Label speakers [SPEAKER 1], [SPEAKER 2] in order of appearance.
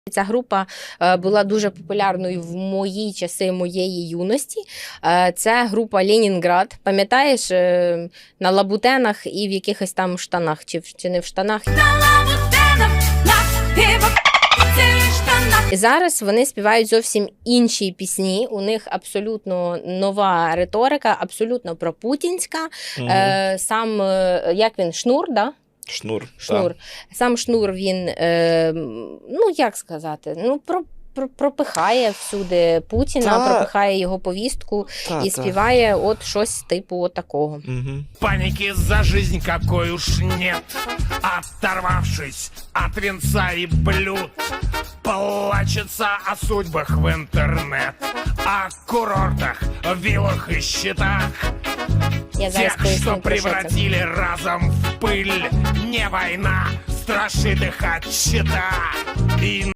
[SPEAKER 1] Ця група була дуже популярною в мої часи моєї юності. Це група «Ленінград». Пам'ятаєш, на лабутенах і в якихось там штанах, чи не в штанах.
[SPEAKER 2] На лабутенах,
[SPEAKER 1] І зараз вони співають зовсім інші пісні. У них абсолютно нова риторика, абсолютно пропутінська. Сам, як він, Шнур, да?
[SPEAKER 3] Шнур.
[SPEAKER 1] Шнур. Сам Шнур, він, ну як сказати, пропихає всюди Путіна, пропихає його повістку і співає от щось типу от такого.
[SPEAKER 4] Паники за жизнь какой уж нет, оторвавшись от венца и блюд, плачется о судьбах в интернет, о курортах, виллах и счетах. Тех, что превратили разом в пыль. Не война страшит их от щита.